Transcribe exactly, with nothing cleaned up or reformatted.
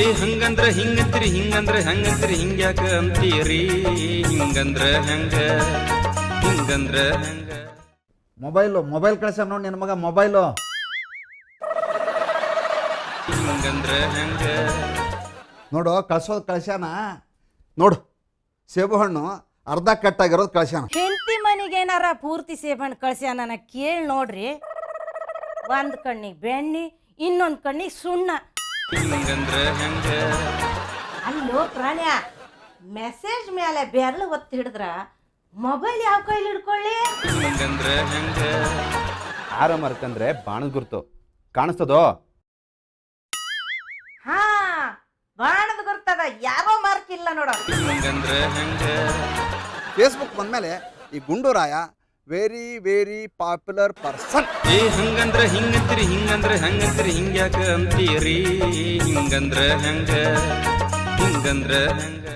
ಹಂಗಂದ್ರ ಹಿಂಗಂತ್ರಿ ಹಿಂಗಂದ್ರ ಹಂಗಂತ್ರಿ ಹಿಂಗ್ಯಾಕ ಅಂತೀರಿ ಹಿಂಗಂದ್ರ ಹೆಂಗ ಹಿಂಗಂದ್ರ ಹೆಂಗ. ಮೊಬೈಲು ಮೊಬೈಲ್ ಕಳ್ಸ ನೋಡಿ ನಿನ್ನ ಮಗ ಮೊಬೈಲು. ಹಿಂಗಂದ್ರ ಹೆಂಗ ನೋಡು ಕಳ್ಸೋದು ಕಳ್ಸ್ಯಾನ ನೋಡು. ಸೇಬು ಹಣ್ಣು ಅರ್ಧ ಕಟ್ಟಾಗಿರೋದು ಕಳ್ಸ್ಯಾನ. ಹೆಂಡತಿ ಮನೆಗೆ ಏನಾರ ಪೂರ್ತಿ ಸೇಬಣ್ಣು ಕಳ್ಸ್ಯಾನ ನನಗೆ ಕೇಳಿ ನೋಡ್ರಿ. ಒಂದು ಕಣ್ಣಿಗೆ ಬೆಣ್ಣಿ ಇನ್ನೊಂದು ಕಣ್ಣಿಗೆ ಸುಣ್ಣ. ಹಿಂಗಂದ್ರ ಹೆಂಗ ಅಲ್ಲೋ ಪ್ರಾಣ್ಯ, ಮೆಸೇಜ್ ಮೇಲೆ ಬೆರಳು ಒತ್ತಿ ಹಿಡಿದ್ರ ಮೊಬೈಲ್ ಯಾವ ಕೈಲಿ ಹಿಡ್ಕೊಳ್ಳಿ? ಹಿಂಗಂದ್ರ ಹೆಂಗ ಆರ ಮರ್ಕಂದ್ರೆ ಬಾಣದ ಗುರ್ತು ಕಾಣಿಸ್ತದೋ? ಹಾ, ಬಾಣದ ಗುರ್ತದ, ಯಾರೋ ಮಾರ್ಕ್ ಇಲ್ಲ ನೋಡ. ಹಿಂಗಂದ್ರ ಹೆಂಗ ಫೇಸ್ಬುಕ್ ಬಂದ್ಮೇಲೆ ಈ Gunduraya very very popular person. ಏ ಹಂಗಂದ್ರ ಹಿಂಗಂತ್ರಿ ಹಿಂಗಂದ್ರ ಹಂಗಂತ್ರಿ ಹಿಂಗ್ಯಾಕ ಅಂತೀರಿ ಹಿಂಗಂದ್ರ ಹೆಂಗ ಹಿಂಗಂದ್ರ ಹೆಂಗ.